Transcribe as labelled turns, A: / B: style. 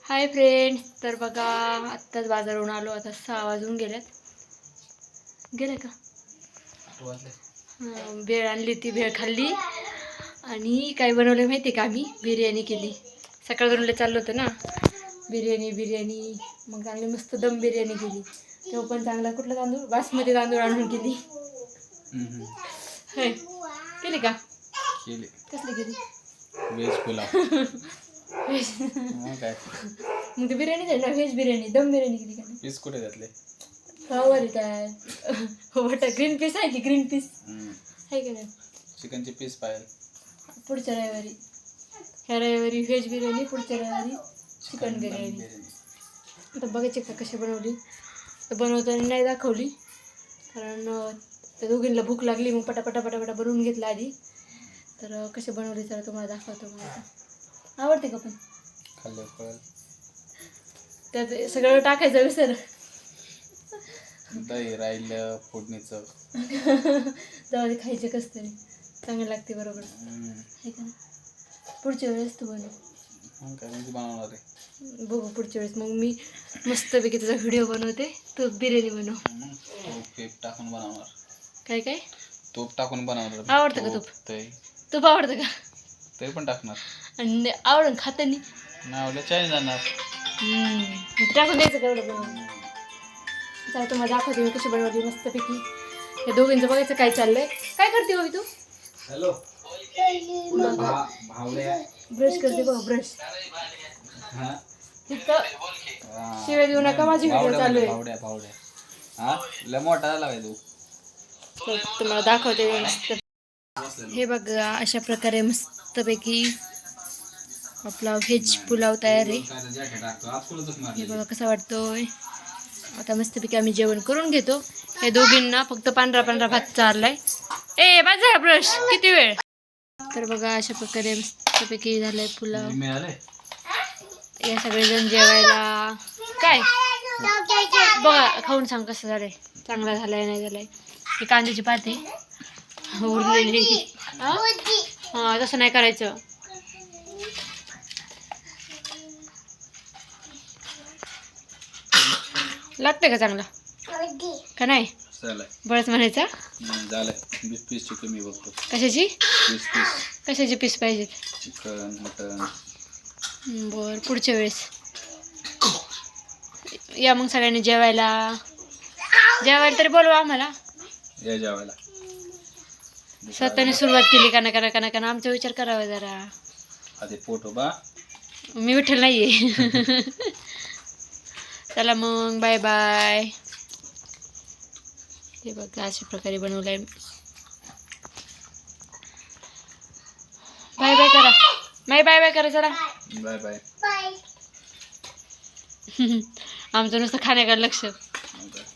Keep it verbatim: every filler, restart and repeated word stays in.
A: Hi friends, तर बघा आत्ताच बाजारहून आलो. आता सहा वाजून गेल्यात. गेले का? हां, भेळ आणली, ती भेळ खाल्ली. आणि काय बनवलं माहिती का? आम्ही बिर्याणी केली. सकाळ बनवलं चाललं होतं ना बिर्याणी बिर्याणी मग चांगली मस्त दम बिर्याणी केली. तेव्हा पण चांगला कुठला तांदूळ, बासमती तांदूळ आणून केली. होय, केली का?
B: केली.
A: कसली केली?
B: व्हेज पुलाव.
A: मग काय मग ती बिर्याणी झाली ना, व्हेज बिर्याणी, दम बिर्याणी केली का?
B: पीस कुठे घातले?
A: फ्लावर काय बटा ग्रीन पीस आहे की, ग्रीन पीस आहे का नाही?
B: चिकनचे पीस पाहिजे
A: पुढच्या रविवारी. ह्या रविवारी व्हेज बिर्याणी, पुढच्या रविवारी चिकन बिर्याणी. आता बघायची का कशी बनवली. तर बनवताना नाही दाखवली, कारण त्या दोघींना भूक लागली. मग पटापटा पटापटा बनवून घेतला आधी. तर कशी बनवली तर तुम्हाला दाखवतो. मला आवडते का? पण
B: खाल्लं कळलं.
A: त्यात सगळं टाकायचं विसर.
B: दही राहिलं फोडणीचं.
A: जाऊ दे, खायचं कसं तरी चांगलं लागते. बरोबर आहे का? पुढच्या वेळेस तू बनव.
B: काय म्हणजे बनवणार आहे?
A: बघू पुढच्या वेळेस. मग मी मस्तपैकी तुझा व्हिडिओ बनवते, तू बिर्याणी बनव.
B: तूप पेप टाकून बनवणार.
A: काय काय
B: तूप टाकून बनवणार.
A: आवडतं का तूप?
B: दही
A: तूप आवडतं का?
B: ते पण टाकणार.
A: आणि आवडून खातानी
B: नाही आवडलं चायनी जाणार.
A: टाकून द्यायचं का एवढं बनवून? चला तुम्हाला दाखवते मी कशी बनवली मस्तपैकी. हे दोघींचं बघायचं काय चाललंय. काय करते हो तू?
B: हॅलो,
A: ब्रश करते बघ, ब्रश. तिथं शिवाय देऊ नका, माझी व्हिडिओ चालू आहे.
B: भावड्या भावड्या हा लय मोठा झाला काय तू?
A: तर तुम्हाला दाखवते मस्त. हे बघा, अशा प्रकारे मस्तपैकी आपला व्हेज पुलाव तयार आहे. हे बघा कसा वाटतोय. आता मस्तपैकी आम्ही जेवण करून घेतो. हे दोघींना फक्त पांढरा पांढरा भात चारलाय. ए माझा ब्रश किती वेळ. तर बघा अशा प्रकारे मस्तपैकी झालंय पुलाव. या सगळेजण जेवायला. काय बघा खाऊन सांग कसं झालंय. चांगला झालाय नाही झालाय. ही कांद्याची पाते उरलेली. हा तसं नाही करायचं. लागतंय का चांगला का नाही? बळच म्हणायचा.
B: वीस पीस चिकन मी बघतो.
A: कशाची
B: वीस पीस
A: कशाचे पीस पाहिजेत?
B: Chicken mutton.
A: बर, पुढच्या वेळेस या मग सगळ्यांनी जेवायला. जेवायला तरी बोलवा आम्हाला.
B: या जेवायला.
A: स्वतःने सुरुवात केली का नका नका नका आमचा विचार करावा जरा.
B: आधी पोट उभा.
A: मी विठ्ठल नाहीये. चला मग, बाय बाय. हे बघा अशा प्रकारे बनवलंय. बाय बाय करा. बाय बाय बाय करा. चला
B: बाय बाय.
A: आमचं नुसतं खाण्याकडे लक्ष.